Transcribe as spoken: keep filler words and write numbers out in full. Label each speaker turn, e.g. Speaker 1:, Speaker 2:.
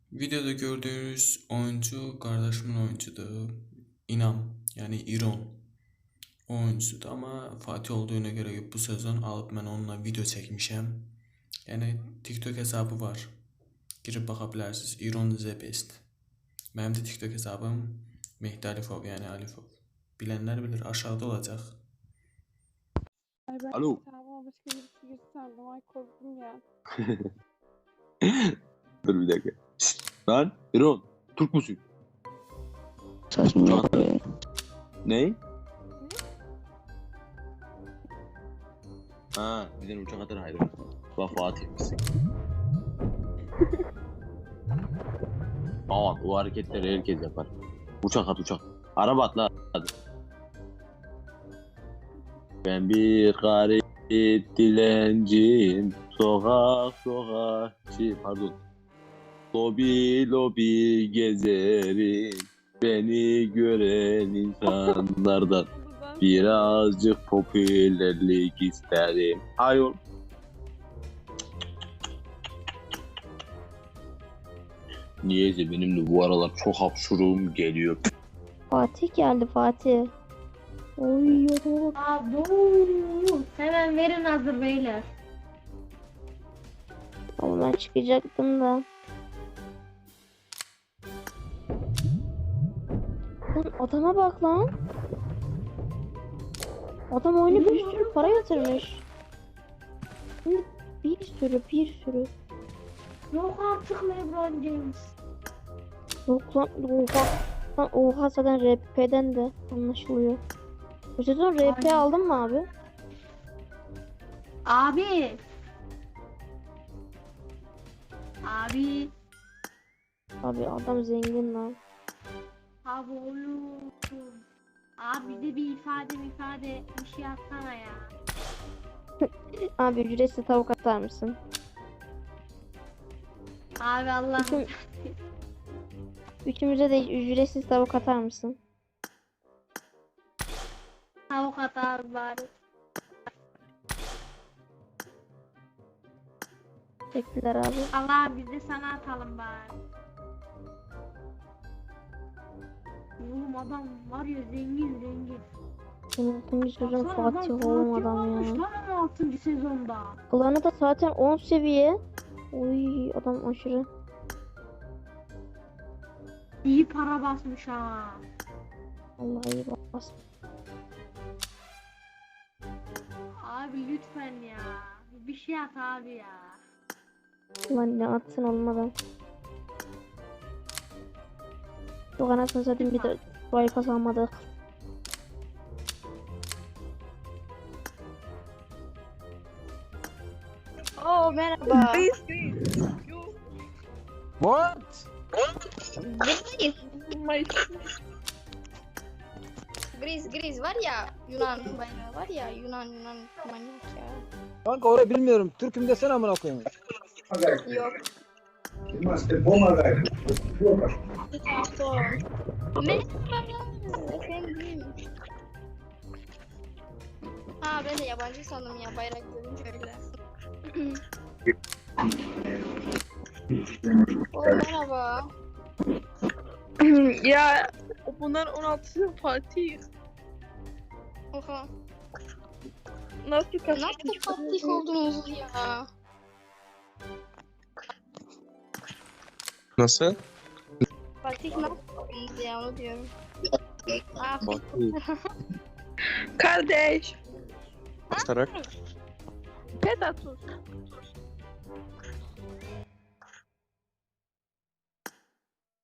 Speaker 1: Videoda gördüğünüz oyuncu kardeşimin oyuncudur. İnam yani İron o oyuncusudur ama Fatih olduğuna göre bu sezon alıp ben onunla video çekmişim. Yani TikTok hesabı var. Girip bakabilirsiniz. İron The Best. Benim de TikTok hesabım Mehdi Alifov yani Alifov. Bilenler bilir aşağıda olacak.
Speaker 2: Ay ben
Speaker 3: Alo.
Speaker 2: hesabıma başka birisi girdi sandım. Ay korktum ya.
Speaker 3: Dur bir dakika. Şşt, lan İron. Türk müsün?
Speaker 4: Saçma.
Speaker 3: Ne? Ha, bizden uçak atar hayır. Bak Fatih misin? Aman o hareketleri herkes yapar. Uçak at uçak. Araba at lan hadi. Ben bir garip dilenciyim. Sokak sokakçı pardon. Lobi lobi gezerim. Beni gören insanlardan
Speaker 2: Buradan
Speaker 3: birazcık popülerlik isterim. Hayır. Niyeyse benim de bu aralar çok hapşurum geliyor.
Speaker 4: Fatih geldi Fatih. Oy yok.
Speaker 5: Abo, hemen verin hazır beyler.
Speaker 4: Ama ben çıkacaktım da. Lan adama bak lan. Adam oyunu bir sürü para yatırmış. Şimdi bir sürü bir sürü.
Speaker 5: Yok artık LeBron James.
Speaker 4: Yok lan oha. Lan oha zaten R P'den de anlaşılıyor. Bu sezon R P
Speaker 5: Aynen.
Speaker 4: aldın mı abi?
Speaker 5: Abi. Abi.
Speaker 4: Abi adam zengin lan.
Speaker 5: Abi oğlum. Abi de bir ifade ifade bir şey atsana ya.
Speaker 4: Abi ücretsiz tavuk atar mısın?
Speaker 5: Abi Allah.
Speaker 4: Bütün- Üçümüze de ücretsiz tavuk atar mısın?
Speaker 5: Tavuk at abi bari.
Speaker 4: Teşekkürler abi.
Speaker 5: Allah biz de sana atalım bari. Oğlum adam var ya zengin zengin.
Speaker 4: Unutmuş sezon
Speaker 5: Baksana adam
Speaker 4: Fatih oğlum
Speaker 5: Fatih
Speaker 4: adam
Speaker 5: olmuş
Speaker 4: ya.
Speaker 5: lan on altıncı sezonda.
Speaker 4: Klanı da zaten on seviye. Oy adam aşırı.
Speaker 5: İyi para basmış ha.
Speaker 4: Vallahi iyi bas.
Speaker 5: Abi lütfen ya. Bir şey at abi ya.
Speaker 4: Ulan ne atsın olmadan. Yok anasını satayım bir de burayı kazanmadık.
Speaker 6: Oh, merhaba.
Speaker 7: What?
Speaker 6: Gris. Gris, Gris var ya Yunan bayrağı var ya Yunan Yunan manyak ya.
Speaker 7: Kanka orayı bilmiyorum. Türk'üm desene amına koyayım.
Speaker 6: Yok. Merhaba efendim. Ha ben de yabancı sandım ya bayrak görünce öyle. Oh merhaba.
Speaker 2: ya bunlar on altısı Fatih.
Speaker 6: Oha.
Speaker 2: Nasıl kaçtı?
Speaker 6: Nasıl fatih oldunuz ya?
Speaker 8: Nasıl?
Speaker 6: Fatih nasıl oldunuz ya onu diyorum. Ah,
Speaker 2: Kardeş.
Speaker 8: Basarak.
Speaker 2: Pedatus.